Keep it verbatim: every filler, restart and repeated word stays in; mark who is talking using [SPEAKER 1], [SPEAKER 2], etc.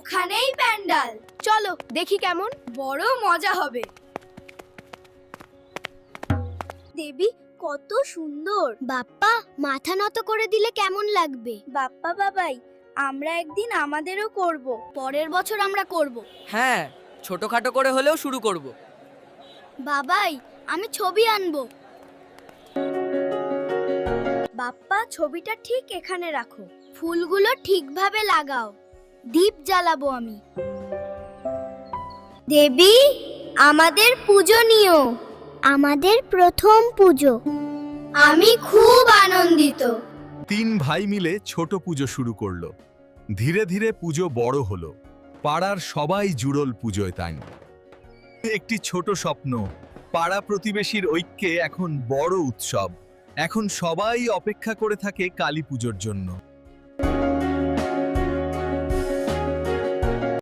[SPEAKER 1] ওখানেই প্যান্ডাল।
[SPEAKER 2] চলো দেখি কেমন।
[SPEAKER 1] বড় মজা হবে। দেবী কত সুন্দর।
[SPEAKER 2] বাপ্পা মাথা নত করে দিলে কেমন লাগবে?
[SPEAKER 1] বাপ্পা বাবাই, আমরা একদিন আমাদেরও করব।
[SPEAKER 2] পরের বছর আমরা করব।
[SPEAKER 3] হ্যাঁ, ছোটখাটো করে হলেও শুরু করব।
[SPEAKER 2] বাবাই, আমি ছবি আনবো।
[SPEAKER 1] বাপ্পা ছবিটা ঠিক এখানে রাখো।
[SPEAKER 2] ফুলগুলো ঠিকভাবে লাগাও। দীপ জ্বালাবো আমি।
[SPEAKER 1] দেবী, আমাদের পূজনীয়,
[SPEAKER 2] আমাদের প্রথম পুজো।
[SPEAKER 1] আমি খুব আনন্দিত।
[SPEAKER 4] তিন ভাই মিলে ছোট পুজো শুরু করলো। ধীরে ধীরে পুজো বড় হলো। পাড়ার সবাই জুড়ল পুজোয় তাই। একটি ছোট স্বপ্ন, পাড়া প্রতিবেশীর ঐক্যে এখন বড় উৎসব। এখন সবাই অপেক্ষা করে থাকে কালী পুজোর জন্য।